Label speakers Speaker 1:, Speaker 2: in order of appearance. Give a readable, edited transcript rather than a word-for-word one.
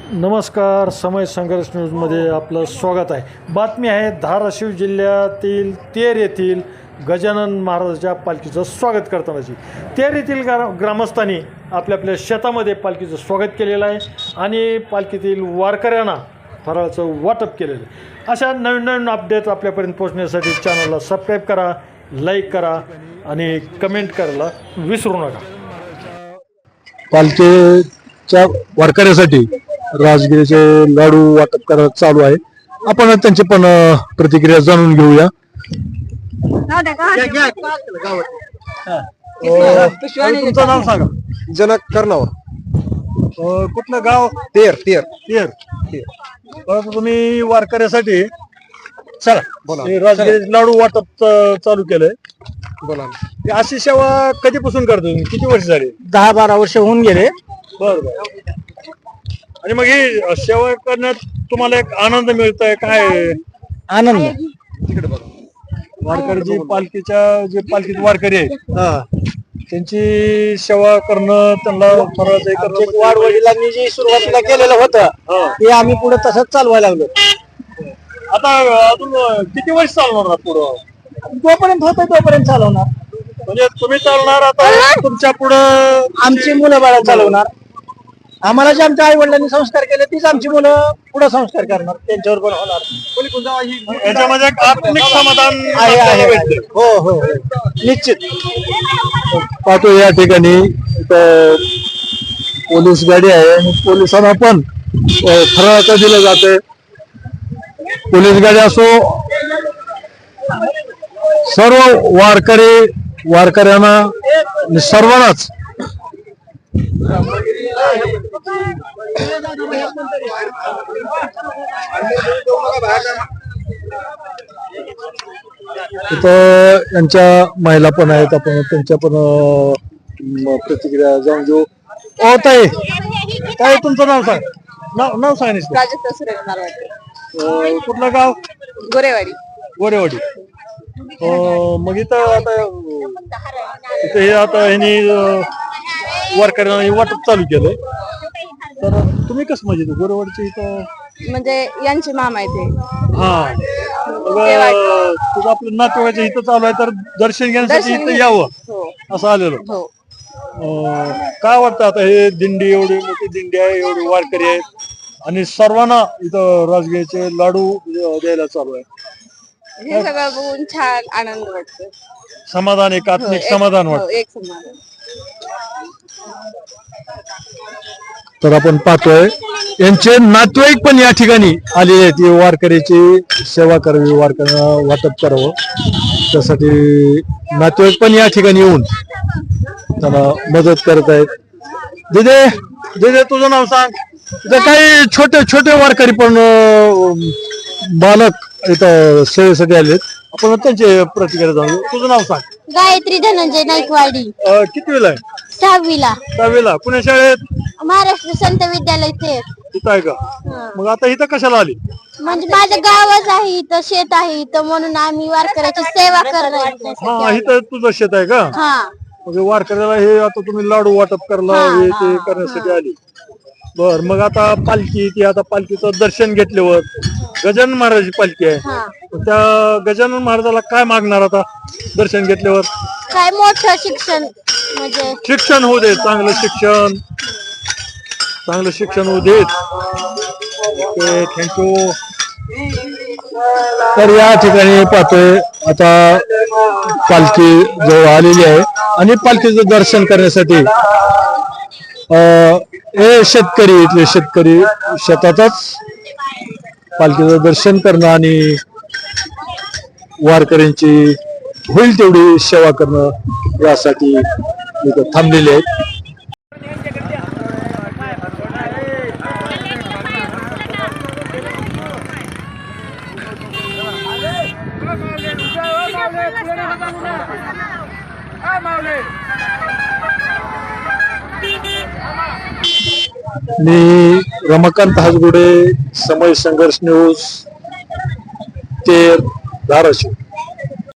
Speaker 1: नमस्कार, समय संघर्ष न्यूजमध्ये आपलं स्वागत आहे। बातमी आहे धाराशिव जिल्ह्यातील तेर येथील गजानन महाराजांच्या पालखीचं स्वागत करतानाची। तेर येथील ग्रामस्थांनी आपल्या आपल्या शेतामध्ये पालखीचं स्वागत केलेलं आहे आणि पालखीतील वारकऱ्यांना फराळाचं वाटप केलेलं आहे। अशा नवीन नवीन अपडेट आपल्यापर्यंत पोहोचण्यासाठी चॅनलला सबस्क्राईब करा, लाईक करा आणि कमेंट करायला विसरू नका।
Speaker 2: पालखीच्या वारकऱ्यासाठी राजगिरीचे लाडू वाटप करायला चालू आहे। आपण त्यांची पण प्रतिक्रिया जाणून घेऊया। तुमचं नाव सांगा।
Speaker 3: जनक कर्णावर,
Speaker 2: कुठलं गाव?
Speaker 3: तेर तेर
Speaker 2: तेर। तुम्ही वारकऱ्यासाठी चला
Speaker 3: बोला.
Speaker 2: हे राजगिरीचे लाडू वाटप चालू केलंय।
Speaker 3: बोला
Speaker 2: ही अशी सेवा कधीपासून करतो तुम्ही? किती वर्ष झाली?
Speaker 4: 10-12 वर्ष होऊन गेले।
Speaker 2: बरं। आणि मग ही सेवा करण्यात तुम्हाला एक आनंद मिळतोय काय?
Speaker 4: आनंद
Speaker 3: तिकडे बघा।
Speaker 2: वारकरी जे पालखीत वारकरी आहे त्यांची सेवा करणं, त्यांना फराळाचं हे करणं म्हणजे
Speaker 4: वाडवडिलांनी जे सुरुवातीला केलेलं होतं ते आम्ही पुढे तसंच चालवायला लागलो।
Speaker 2: आता अजून किती वर्ष चालवणार पुढं?
Speaker 4: जोपर्यंत होतं तोपर्यंत चालवणार।
Speaker 2: म्हणजे तुम्ही चालणार, आता तुमच्या पुढं
Speaker 4: आमची मुलं बाळा चालवणार। आम्हाला जे आमच्या आई वडिलांनी संस्कार केले तीच आमची मुलं पुढे संस्कार करणार, त्यांच्यावर पण होणार।
Speaker 2: याच्यामध्ये एक आत्मिक समाधान
Speaker 4: आहे
Speaker 2: आपल्याला
Speaker 4: आहे
Speaker 2: भेटते।
Speaker 4: हो हो निश्चित।
Speaker 2: पाहतो या ठिकाणी पोलीस गाडी आहे आणि पोलिसांना पण फराळाचं दिलं जाते। पोलीस गाडी असो, सर्व वारकऱ्यांना सर्वांनाच इथं यांच्या महिला पण आहेत, आपण त्यांच्या पण प्रतिक्रिया जाऊन घेऊ। ओ ताई, काय तुमचं नाव सांग? नाव सांग। कुठलं गाव?
Speaker 5: गोरेवाडी।
Speaker 2: गोरेवाडी। मग इथं आता इथं हे आता ह्यांनी वारकऱ्यांना वाटप चालू केलंय, तर तुम्ही कसं म्हणजे गोरेवाडीचे इथं
Speaker 5: म्हणजे यांचे मामा आहे ते।
Speaker 2: हा, तुझं आपलं नातेवाईचं इथं चालू आहे, तर दर्शन घेण्यासाठी इथं यावं
Speaker 5: हो
Speaker 2: असं आलेलो।
Speaker 5: हो।
Speaker 2: काय वाटतं आता हे दिंडी, एवढी मोठी दिंडी आहे, एवढी वारकरी आहेत आणि सर्वांना इथं राजगिरीचे लाडू द्यायला चालू आहे,
Speaker 5: हे सगळं बघून छान आनंद वाटतो,
Speaker 2: समाधान, एक आत्मिक समाधान वाटतं।
Speaker 5: एक समाधान।
Speaker 2: तर आपण पाहतोय यांचे नातेवाईक पण या ठिकाणी आलेले आहेत, वारकऱ्याची सेवा करावी, वारकऱ्यांना वाटप करावं त्यासाठी नातेवाईक पण या ठिकाणी येऊन त्यांना मदत करत आहेत। दिदे तुझं नाव सांग। इथं काही छोटे छोटे वारकरी पण बालक इथं सेवेसाठी आलेत, आपण त्यांचे प्रतिक्रिया जाणू। तुझं नाव सांग।
Speaker 6: गायत्री धनंजय नाईकवाडी।
Speaker 2: कितवीला आहे?
Speaker 6: 6वीला।
Speaker 2: 6वीला। पुणे शाळेत?
Speaker 6: महाराष्ट्र संत विद्यालय ते
Speaker 2: इथं आहे का? मग आता इथं कशाला आली?
Speaker 6: म्हणजे माझं गावच आहे, इथं शेत आहे इथं, म्हणून आम्ही वारकऱ्याची सेवा करणार।
Speaker 2: हा, इथं तुझं शेत आहे का?
Speaker 6: हा।
Speaker 2: म्हणजे वारकऱ्याला हे आता तुम्ही लाडू वाटप करला, हे ते करण्यासाठी आली। बर, मग आता पालखी ती, आता पालखीचं दर्शन घेतल्यावर गजानन महाराजांची पालखी आहे, त्या गजानन महाराजाला काय मागणार आता दर्शन घेतल्यावर?
Speaker 6: काय मोठं शिक्षण, म्हणजे
Speaker 2: शिक्षण होऊ दे, चांगलं शिक्षण होऊ देत। Okay, thank you. तर या ठिकाणी पाहतोय आता पालखी जवळ आलेली आहे आणि पालखीचं दर्शन करण्यासाठी शेतकरी, इथले शेतकरी शेतातच पालखीचं दर्शन करणं आणि वारकऱ्यांची होईल तेवढी सेवा करणं यासाठी इथं थांबलेले आहेत। मी रमाकांत हाजगुडे, समय संघर्ष न्यूज, तेर, धाराशिव।